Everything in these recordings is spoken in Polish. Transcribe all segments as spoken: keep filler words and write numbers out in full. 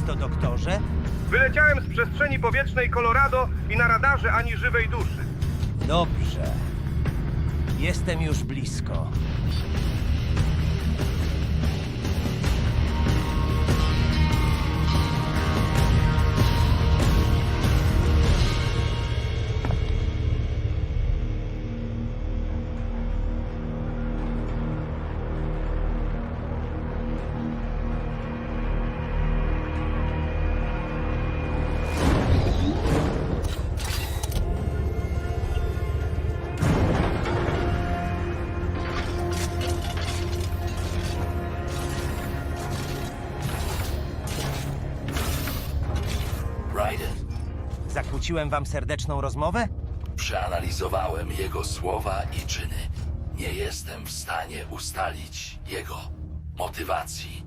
to, doktorze? Wyleciałem z przestrzeni powietrznej Colorado i na radarze ani żywej duszy. Dobrze. Jestem już blisko. Raiden, Zakłóciłem wam serdeczną rozmowę? przeanalizowałem jego słowa i czyny. Nie jestem w stanie ustalić jego motywacji.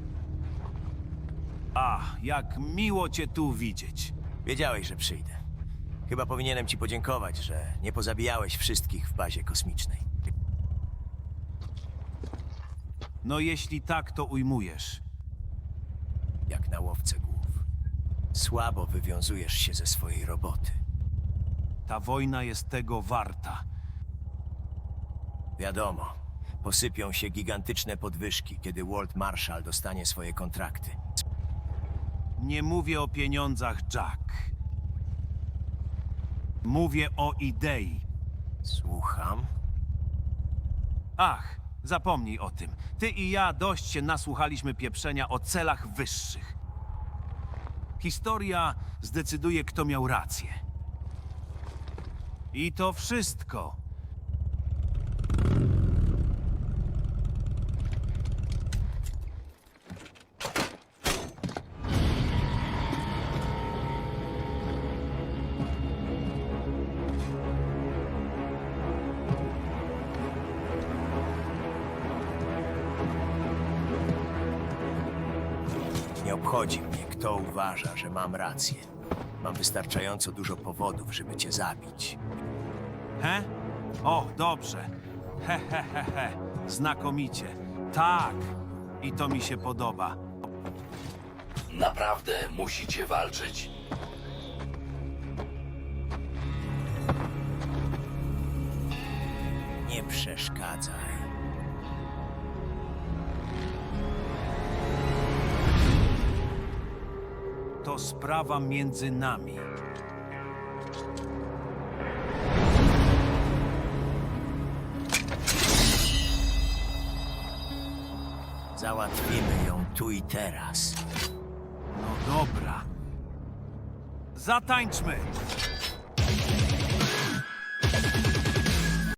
A, jak miło cię tu widzieć. Wiedziałeś, że przyjdę. Chyba powinienem ci podziękować, że nie pozabijałeś wszystkich w bazie kosmicznej. No jeśli tak to ujmujesz. Jak na łowcę głów. Słabo wywiązujesz się ze swojej roboty. Ta wojna jest tego warta. Wiadomo, posypią się gigantyczne podwyżki, kiedy Walt Marshall dostanie swoje kontrakty. Nie mówię o pieniądzach, Jack. Mówię o idei. Słucham? Ach, zapomnij o tym. Ty i ja dość się nasłuchaliśmy pieprzenia o celach wyższych. Historia zdecyduje, kto miał rację. I to wszystko. Nie obchodzi mnie, kto uważa, że mam rację. Mam wystarczająco dużo powodów, żeby cię zabić. He? O, dobrze. He, he, he, he. Znakomicie. Tak. I to mi się podoba. Naprawdę musicie walczyć. Nie przeszkadzaj. To sprawa między nami. Załatwimy ją tu i teraz. No dobra. Zatańczmy!